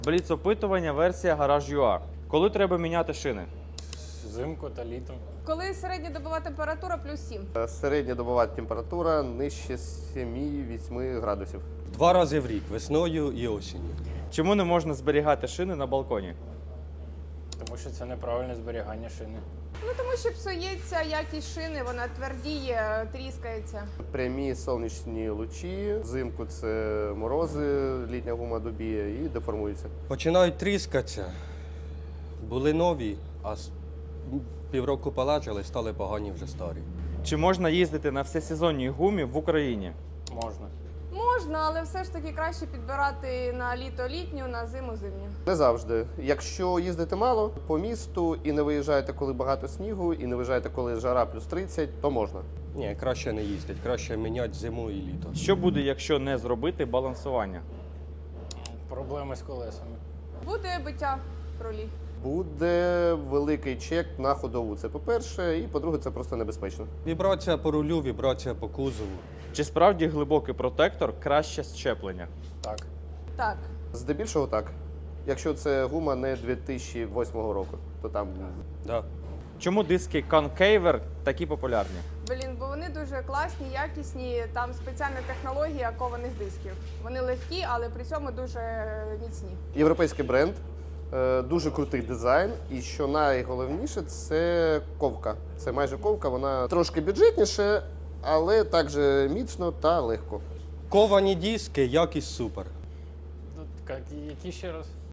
Бліц-опитування версія Garage.ua. Коли треба міняти шини? Взимку та літом. Коли середньодобова температура плюс 7. Середньодобова температура нижче 7-8 градусів. 2 рази в рік, весною і осінню. Чому не можна зберігати шини на балконі? Тому що це неправильне зберігання шини. Ну тому що псується якість шини, вона твердіє, тріскається. Прямі сонячні лучі, взимку це морози, літня гума добіє і деформується. Починають тріскатися. Були нові, а півроку полежали, стали погані вже старі. Чи можна їздити на всесезонній гумі в Україні? Можна. Можна, але все ж таки краще підбирати на літо літню, на зиму зимню. Не завжди. Якщо їздите мало по місту і не виїжджаєте, коли багато снігу, і не виїжджаєте, коли жара плюс 30, то можна. Ні, краще не їздить, краще міняти зиму і літо. Що буде, якщо не зробити балансування? Проблеми з колесами. Буде биття рулі. Буде великий чек на ходову. Це по-перше, і по-друге, це просто небезпечно. Вібрація по рулю, вібрація по кузову. Чи справді глибокий протектор краще щеплення? Так. Так. Здебільшого так. Якщо це гума не 2008 року, то там Да. Чому диски Concavert такі популярні? Блін, бо вони дуже класні, якісні. Там спеціальна технологія кованих дисків. Вони легкі, але при цьому дуже міцні. європейський бренд, дуже крутий дизайн. І що найголовніше, це ковка. Це майже ковка, вона трошки бюджетніше, але також міцно та легко. Ковані диски, якість супер. Тут які ще раз?